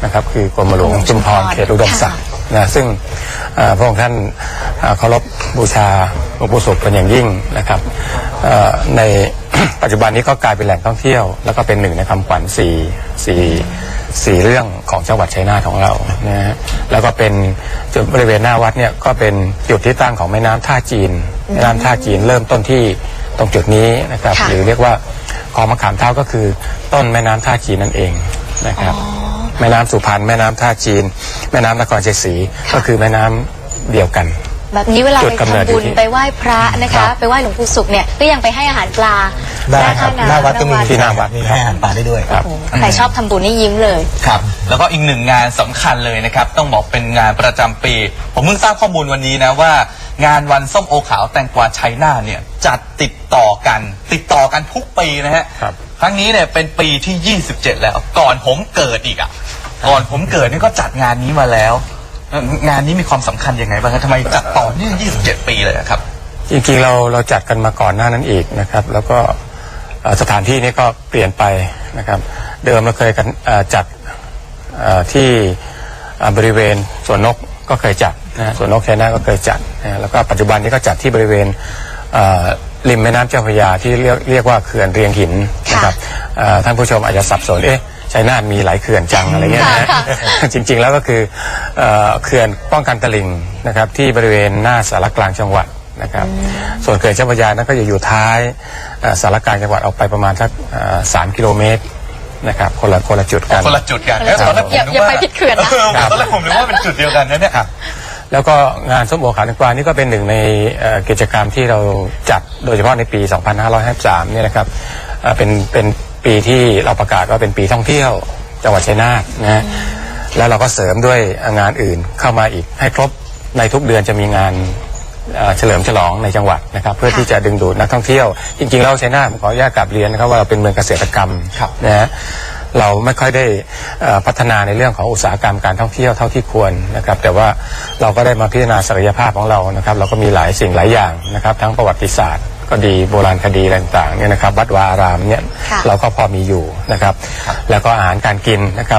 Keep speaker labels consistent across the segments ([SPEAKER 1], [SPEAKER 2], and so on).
[SPEAKER 1] นะครับคือกรมหลวงชุมพรเขตอุดมศักดิ์นะซึ่งพระองค์ท่านเคารพบูชาหลวงปู่ศุกร์เป็นอย่างยิ่งนะครับใน ปัจจุบันนี้ก็กลายเป็นแหล่งท่องเที่ยวแล้วก็เป็นหนึ่งในคำขวัญสี่เรื่องของจังหวัดชัยนาทของเรานะฮะแล้วก็เป็นจุดบริเวณหน้าวัดเนี่ยก็เป็นจุดที่ตั้งของแม่น้ำท่าจีนแม่น้ำท่าจีนเริ่มต้นที่ตรงจุดนี้นะครับหรือเรียกว่าคลองมะขามเท้าก็คือต้นแม่น้ำท่าจีนนั่นเองนะครับแม่น้ำสุพรรณแม่น้ำท่าจีนแม่น้ำนครชัยศรีก็คือแม่น้ำเดียวกัน
[SPEAKER 2] แบบนี้เวลาไปทำบุญไปไหว้พระนะคะไปไหว้หลวงปู่ศุกร์เนี่ยก็ยังไปให้อาหารปลา
[SPEAKER 3] ได้ครับหน้าวัดก็มี
[SPEAKER 1] ที่หน้าวัด
[SPEAKER 3] มีให้อาหารปลาได้ด้วยครับ
[SPEAKER 2] ใครชอบทำบุญนี่ยิ้มเลย
[SPEAKER 4] ครับแล้วก็อีกหนึ่งงานสำคัญเลยนะครับต้องบอกเป็นงานประจำปีผมเพิ่งทราบข้อมูลวันนี้นะว่างานวันส้มโอขาวแตงกวาชัยนาทเนี่ยจัดติดต่อกันทุกปีนะฮะครั้งนี้เนี่ยเป็นปีที่27แล้วก่อนผมเกิดอีกก่อนผมเกิดนี่ก็จัดงานนี้มาแล้วงานนี้มีความสำคัญยังไงบ้างครับทำไมจัดต่อเนื่อง27 ปีเลยครับ
[SPEAKER 1] จริงๆเราจัดกันมาก่อนหน้านั้นอีกนะครับแล้วก็สถานที่นี้ก็เปลี่ยนไปนะครับเดิมเราเคยกันจัดที่บริเวณสวนนกก็เคยจัดนะสวนนกชัยนาทก็เคยจัดนะแล้วก็ปัจจุบันนี้ก็จัดที่บริเวณริมแม่น้ำเจ้าพระยาที่เรียกว่าเขื่อนเรียงหินนะครับท่านผู้ชมอาจจะสับสนชัยนาทมีหลายเขื่อนจังอะไรเงี้ยนะจริงๆแล้วก็คือเขื่อนป้องกันตลิ่งนะครับที่บริเวณหน้าสารกลางจังหวัดนะครับส่วนเขื่อนเจ้าพระยานั้นก็จะอยู่ท้ายสารกลางจังหวัดออกไปประมาณสัก3 กิโลเมตรนะครับคนละจุดกัน
[SPEAKER 4] คนละจุดกันแล้วตอนแรกผม
[SPEAKER 2] อย่าไปผิดเขื่อนนะ
[SPEAKER 4] ตอนแรกผมนึกว่าเป็นจุดเดียวกันนะเนี่ย
[SPEAKER 1] แล้วก็งานส้มโอขาวแตงกวานี่ก็เป็นหนึ่งในกิจกรรมที่เราจัดโดยเฉพาะในปี 2553เนี่ยนะครับเป็นปีที่เราประกาศว่าเป็นปีท่องเที่ยวจังหวัดชัยนาทนะแล้วเราก็เสริมด้วยงานอื่นเข้ามาอีกให้ครบในทุกเดือนจะมีงานเฉลิมฉลองในจังหวัดนะครับเพื่อที่จะดึงดูดนักท่องเที่ยวจริงๆเราชัยนาทขออนุญาตกลับเรียนนะครับว่าเราเป็นเมืองเกษตรกรรมนะฮะเราไม่ค่อยได้พัฒนาในเรื่องของอุตสาหกรรมการท่องเที่ยวเท่าที่ควรนะครับแต่ว่าเราก็ได้มาพิจารณาศักยภาพของเรานะครับเราก็มีหลายสิ่งหลายอย่างนะครับทั้งประวัติศาสตร์ก็ดีโบราณคดีอะไรต่างๆเนี่ยนะครับวัดวาอารามเนี่ยเราก็พอมีอยู่นะครับแล้วก็อาหารการกินนะครับ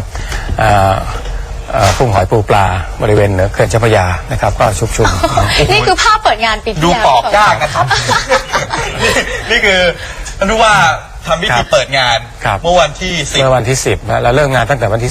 [SPEAKER 1] กุ้งหอยปูปลาบริเวณเหนือเขื่อนเจ้าพระยานะครับก็ชุกชุม
[SPEAKER 2] นี่คือภาพเปิดงานปีที่
[SPEAKER 4] ดูปอกยากนะครับนี่คือรู้ว่าทำพิธีเปิดงานเมื่อวันที่
[SPEAKER 1] 10นะแล้วเริ่มงานตั้งแต่วันที่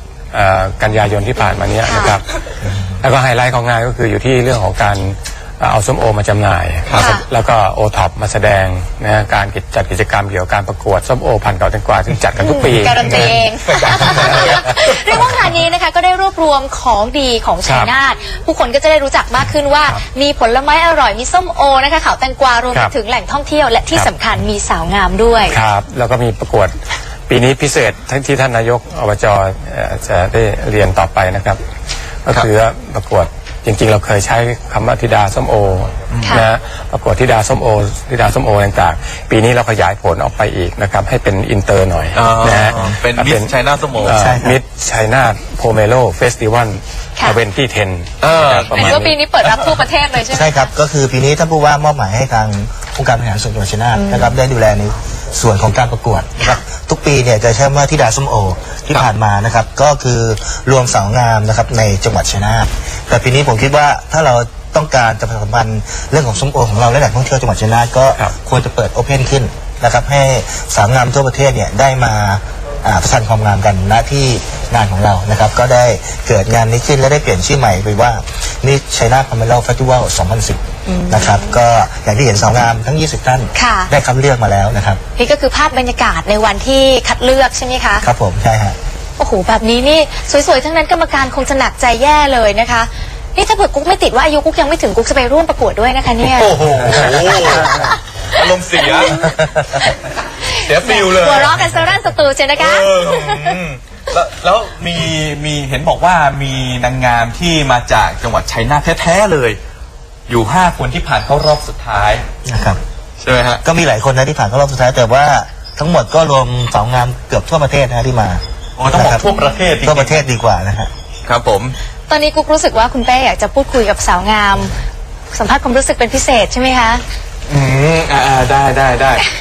[SPEAKER 1] 10กันยายนที่ผ่านมานี้นะครับแล้วก็ไฮไลท์ของงานก็คืออยู่ที่เรื่องของการเอาส้มโอมาจำหน่ายแล้วก็โอท็อปมาแสดงนะการจัดกิจกรรมเกี่ยวกับการประกวดส้มโอพันธุ์เก่าแตงกวาที่จัดกันทุกปี
[SPEAKER 2] การันตีเองเรื่องว่างานนี้นะคะก็ได้รวบรวมของดีของชัยนาทผู้คนก็จะได้รู้จักมากขึ้นว่ามีผลไม้อร่อยมีส้มโอนะคะขาวแตงกวารวมไปถึงแหล่งท่องเที่ยวและที่สำคัญมีสาวงามด้วย
[SPEAKER 1] ครับแล้วก็มีประกวดปีนี้พิเศษทั้งที่ท่านนายกอบจจะได้เรียนต่อไปนะครับก็คือประกวดจริงๆเราเคยใช้คำว่าธิดาส้มโอนะประกวดธิดาส้มโอต่างๆปีนี้เราขยายผลออกไปอีกนะครับให้เป็นอินเตอร์หน่อยนะฮะ
[SPEAKER 4] เป็นมิสชัยนาทส้มโอ
[SPEAKER 1] มิสชัยนาทโพเมโลเฟสติวัลเป็นที่10
[SPEAKER 2] ประมาณว่าปีนี้เปิดรับทั่วประเทศเลยใช่ไหม
[SPEAKER 3] ใช่ครับก็คือปีนี้ท่านผู้ว่ามอบหมายให้ทางองค์การบริหารส่วนจังหวัดชัยนาทนะครับได้ดูแลในส่วนของการประกวดนะครับทุกปีเนี่ยจะใช้ว่าธิดาส้มโอที่ผ่านมานะครับก็คือรวมสาวงามนะครับในจังหวัดชัยนาทแต่ปีนี้ผมคิดว่าถ้าเราต้องการจะประชาสัมพันธ์เรื่องของส้มโอของเราและแหล่งท่องเที่ยวจังหวัดชัยนาทก็ควรจะเปิดโอเพนขึ้นนะครับให้สาวงามทั่วประเทศเนี่ยได้มาประชันความงามกันณที่งานของเรานะครับก็ได้เกิดงานนี้ขึ้นและได้เปลี่ยนชื่อใหม่ไปว่านี่ชัยนาทพาเมล่าเฟสติวัล 2010 นะครับก็อย่างที่เห็นสาวงามทั้ง20ท่านได้คัดเลือกมาแล้วนะครับ
[SPEAKER 2] นี่ก็คือภาพบรรยากาศในวันที่คัดเลือกใช่ไหมคะ
[SPEAKER 3] ครับผมใช่ฮะ
[SPEAKER 2] โอ้โหแบบนี้นี่สวยๆทั้งนั้นกรรมการคงจะหนักใจแย่เลยนะคะนี่ถ้าเผื่อกุ๊กไม่ติดว่าอายุกุ๊กยังไม่ถึงกุ๊กจะไปร่วมประกวดด้วยนะคะเนี่ย
[SPEAKER 4] โอ้โหอารมณ์เสียฟิลเลย
[SPEAKER 2] หัวเราะกันสรั่นสตูใช่นะคะ
[SPEAKER 4] แล้วมีเห็นบอกว่ามีนางงามที่มาจากจังหวัดชัยนาทแท้ๆเลยอยู่5 คนที่ผ่านเข้ารอบสุดท้าย
[SPEAKER 3] นะครับ
[SPEAKER 4] ใช่ไหมฮะ
[SPEAKER 3] ก็มีหลายคนนะที่ผ่านเข้ารอบสุดท้ายแต่ว่าทั้งหมดก็รวมสาวงามเกือบทั่วประเทศนะที่มา
[SPEAKER 4] ต้องบอกทั่วประเทศ
[SPEAKER 3] ทั่วประเทศดีกว่านะฮะ
[SPEAKER 4] ครับผม
[SPEAKER 2] ตอนนี้กุ๊กรู้สึกว่าคุณเป้อยากจะพูดคุยกับสาวงามสัมภาษณ์ความรู้สึกเป็นพิเศษใช่ไหมคะ
[SPEAKER 4] ได้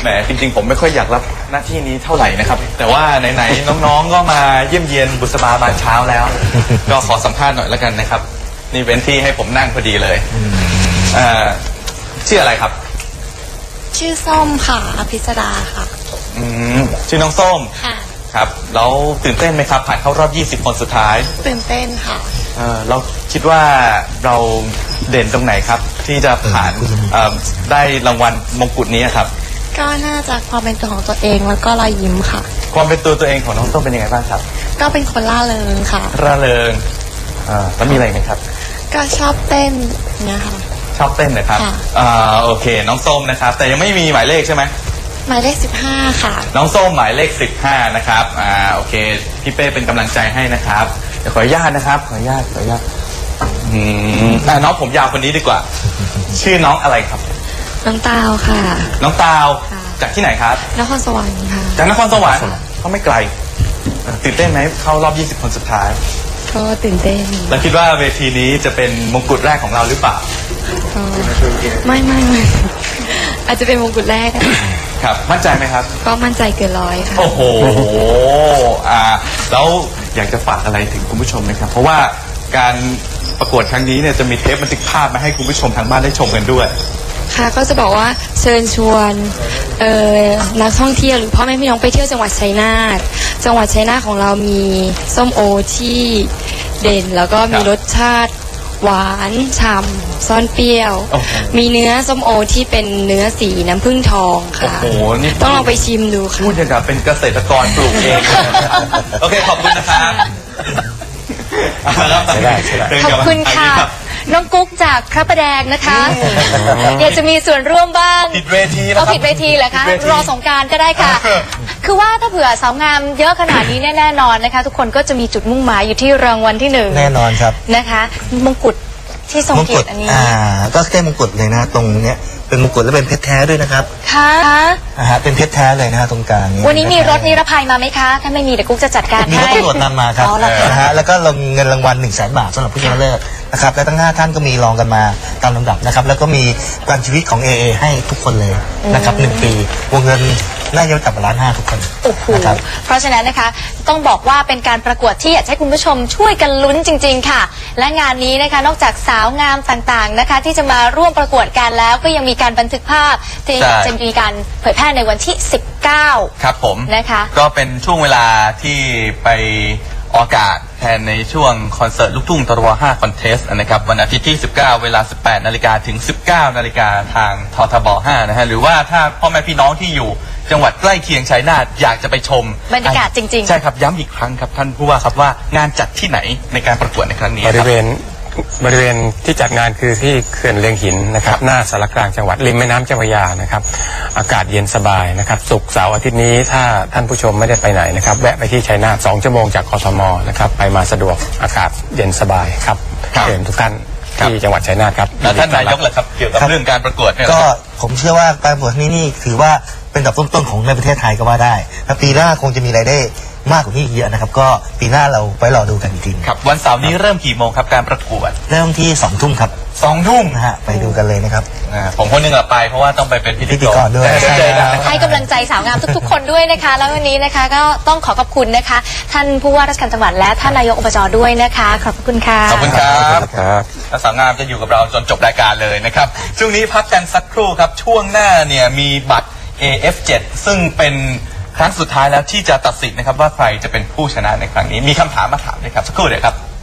[SPEAKER 4] แหมจริงๆผมไม่ค่อยอยากรับหน้าที่นี้เท่าไหร่นะครับ แต่ว่าไหนๆน้องๆก็มาเยี่ยมเยียนบุษบาบานเช้าแล้ว ก็ขอสัมภาษณ์หน่อยแล้วกันนะครับ นี่เว้นที่ให้ผมนั่งพอดีเลยชื่ออะไรครับ
[SPEAKER 5] ชื่อส้มค่ะอภิสดาค่ะ
[SPEAKER 4] ชื่อน้องส้ม
[SPEAKER 5] ค่ะ
[SPEAKER 4] ครับแล้วตื่นเต้นไหมครับผ่านเข้ารอบ 20 คนสุดท้าย
[SPEAKER 5] ตื่นเต้นค่ะ
[SPEAKER 4] เราคิดว่าเราเด่นตรงไหนครับ ที่จะผ่านได้รางวัลมงกุฎนี้ครับ
[SPEAKER 5] ก็น่าจะความเป็นตัวของตัวเองแล้วก็รอยยิ้มค่ะ
[SPEAKER 4] ความเป็นตัวเองของน้องส้มเป็นยังไงบ้างครับ
[SPEAKER 5] ก็เป็นคนล่าเริงค่ะ
[SPEAKER 4] ร่าเริงแล้วมีอะไรไหมครับ
[SPEAKER 5] ก็ชอบเต้นเนี่ยค่ะ
[SPEAKER 4] ชอบเต้นนะครับ
[SPEAKER 5] ค่ะ
[SPEAKER 4] โอเค น้องส้มนะครับ แต่ยังไม่มีหมายเลขใช่ไหม
[SPEAKER 5] หมายเลข15 ค่ะ
[SPEAKER 4] น้องส้มหมายเลข 15 นะครับ โอเค พี่เป้เป็นกำลังใจให้นะครับ เดี๋ยวขออนุญาตนะครับ ขออนุญาตน้องผมยาวคนนี้ดีกว่า ชื่อน้องอะไรครับ
[SPEAKER 5] น้องตาวค่ะ
[SPEAKER 4] น้องตาว
[SPEAKER 5] ค่ะ
[SPEAKER 4] จากที่ไหนครับ
[SPEAKER 5] นครสวรรค์ค่ะ
[SPEAKER 4] จากนครสวรรค์ก็ไม่ไกลตื่นเต้นไหมเข้ารอบ 20 คนสุดท้าย
[SPEAKER 5] ก็ตื่นเต้น
[SPEAKER 4] แล้วคิดว่าเวทีนี้จะเป็นมงกุฎแรกของเราหรือเปล่า
[SPEAKER 5] ก็ไม่อาจจะเป็นมงกุฎแรกอะ
[SPEAKER 4] ครับ มั่นใจไหมครับ
[SPEAKER 5] ก็มั่นใจเกินร้อยค่ะ
[SPEAKER 4] โอ้โหแล้วอยากจะฝากอะไรถึงคุณผู้ชมไหมครับ เพราะว่าการประกวดครั้งนี้เนี่ยจะมีเทปบันทึกภาพมาให้คุณผู้ชมทางบ้านได้ชมกันด้วย
[SPEAKER 5] ค่ะก็จะบอกว่าเชิญชวนนักท่องเที่ยวหรือพ่อแม่พี่น้องไปเที่ยวจังหวัดชัยนาทจังหวัดชัยนาทของเรามีส้มโอที่เด่น แล้วก็มีรสชาติหวานฉ่ำซ่อนเปรี้ยว
[SPEAKER 4] โอ้โห
[SPEAKER 5] มีเนื้อส้มโอที่เป็นเนื้อสีน้ำผึ้งทอง
[SPEAKER 4] โอ้
[SPEAKER 5] ค่ะ
[SPEAKER 4] โห นี่
[SPEAKER 5] ต้องลองไปชิมดูค่ะ
[SPEAKER 4] พูดอย่างกับเป็นเกษตรกรปลูกเอง โอเค ขอบคุณนะครับ
[SPEAKER 1] ใช่ได้
[SPEAKER 2] ขอบคุณค่ะ น้องกุ๊กจากพระประแดงนะคะอยากจะมีส่วนร่วมบ้าง
[SPEAKER 4] ผิดเวทีแล้วค
[SPEAKER 2] เอา
[SPEAKER 4] รับ
[SPEAKER 2] ผิดเวทีเหรอคะ
[SPEAKER 4] ผิดเวที
[SPEAKER 2] รอสงกรารก็ได้ค่ะ คือว่าถ้าเผื่อสาวงามเยอะขนาดนี้แน่นอนนะคะ ทุกคนก็จะมีจุดมุ่งหมายอยู่ที่รางวัลที่หนึ่ง
[SPEAKER 3] แน่นอนครับ
[SPEAKER 2] นะคะมงกุฎที่ทรงเกียรติอันนี้
[SPEAKER 3] ก็แค่มงกุฎเลยนะตรงเนี้ยเป็นมงกุฎและเป็นเพชรแท้ด้วยนะครับ
[SPEAKER 2] ค่ะ
[SPEAKER 3] เป็นเพชรแท้เลยนะฮะตรงกลางนี้
[SPEAKER 2] วันนี้มีรถนิรภัยมาไหมคะ ถ้าไม่มีเดี๋ยวกุ๊กจะจัดการ
[SPEAKER 3] มีรถ
[SPEAKER 2] ให้
[SPEAKER 3] ตำรวจนำมาครับ
[SPEAKER 2] อ๋อเหรอคะ
[SPEAKER 3] นะฮะแล้วก็ลงเงินรางวัล100,000 บาทสำหรับผู้ชนะเลิศนะครับและทั้ง5ท่านก็มีรองกันมาตามลำดับนะครับแล้วก็มีประกันชีวิตของ AA ให้ทุกคนเลยนะครับ1 ปีวงเงินน่าจะจับ1.5 ล้านทุกคน
[SPEAKER 2] โอ้โห
[SPEAKER 3] นะครับ
[SPEAKER 2] เพราะฉะนั้นนะคะต้องบอกว่าเป็นการประกวดที่อยากให้คุณผู้ชมช่วยกันลุ้นจริง ๆ ค่ะ และงานนี้นะคะนอกจากสาวงามต่างๆนะคะ ที่จะมาร่วมประกวดกันแล้วก็ยังมีการบันทึกภาพที่
[SPEAKER 4] ใช่
[SPEAKER 2] จะมีการเผยแพร่ในวันที่ 19
[SPEAKER 4] ครับผม
[SPEAKER 2] นะคะ
[SPEAKER 4] ก็เป็นช่วงเวลาที่ไปออกอากาศแทนในช่วงคอนเสิร์ตลูกทุ่งตรว5คอนเทสต์นะครับวันอาทิตย์ที่ 19 เวลา 18 นาฬิกาถึง 19 นาฬิกาทางททบ 5 นะฮะหรือว่าถ้าพ่อแม่พี่น้องที่อยู่จังหวัดใกล้เคียงชัยนาทอยากจะไปชม
[SPEAKER 2] บรรยากาศจริงๆ
[SPEAKER 4] ใช่ครับย้ำอีกครั้งครับท่านผู้ว่าครับว่างานจัดที่ไหนในการประกวดในครั้งนี้
[SPEAKER 1] บ
[SPEAKER 4] ค
[SPEAKER 1] ริ
[SPEAKER 4] รับ
[SPEAKER 1] เวณที่จัดงานคือที่เขื่อนเลียงหินนะครับหน้าสารกลางจังหวัดริมแม่น้ำเจ้าพระยานะครับอากาศเย็นสบายนะครับศุกร์เสาร์อาทิตย์นี้ถ้าท่านผู้ชมไม่ได้ไปไหนนะครับแวะไปที่ชัยนาท2 ชั่วโมงจากกทมนะครับไปมาสะดวกอากาศเย็นสบายครับ
[SPEAKER 4] ครับ
[SPEAKER 1] เชิญทุกท่านที่จังหวัดชัยนาทครับ
[SPEAKER 4] แล้วท่านนายกล่ะครับเกี่ยวกับ
[SPEAKER 3] ครับ
[SPEAKER 4] เรื่องการประกวดเนี่ย
[SPEAKER 3] ก็ผมเชื่อว่าการประกวดนี้นี่ถือว่าเป็นอันดับต้นๆของในประเทศไทยก็ว่าได้และปีหน้าคงจะมีรายได้มากกว่านี้อีกเยอะนะครับก็ปีหน้าเราไปรอดูกันอีกที
[SPEAKER 4] ครับวันเสาร์นี้เริ่มกี่โมงครับการประกวด
[SPEAKER 3] เริ่มที่2 ทุ่มครับ
[SPEAKER 4] 2 ทุ่ม
[SPEAKER 3] นะฮะไปดูกันเลยนะครับ
[SPEAKER 4] ผมคนหนึงอะไปเพราะว่าต้องไปเป็นพิ
[SPEAKER 3] พิ
[SPEAKER 4] ธี
[SPEAKER 3] ธี
[SPEAKER 4] ก
[SPEAKER 3] ก
[SPEAKER 4] ร
[SPEAKER 3] รด้วย
[SPEAKER 4] แต่เจอกันนะครับ
[SPEAKER 2] ให้กำลังใจสาวงามทุกๆ คนด้วยนะคะ แล้ววันนี้นะคะก็ต้องขอบคุณนะคะ ท่านผู้ว่าราชการจังหวัดและท่านนายกอบจด้วยนะคะ ขอบคุณค่ะ
[SPEAKER 4] ขอบคุณครับ
[SPEAKER 1] ครับ
[SPEAKER 4] และสาวงามจะอยู่กับเราจนจบรายการเลยนะครับ ช่วงนี้พักกันสักครู่ครับ ช่วงหน้าเนี่ยมีบัตร AF7 ซึ่งเป็นครั้งสุดท้ายแล้วที่จะตัดสินนะครับว่าใครจะเป็นผู้ชนะในครั้งนี้ มีคำถามมาถามด้วยครับ สักครู่เดี๋ยวครับ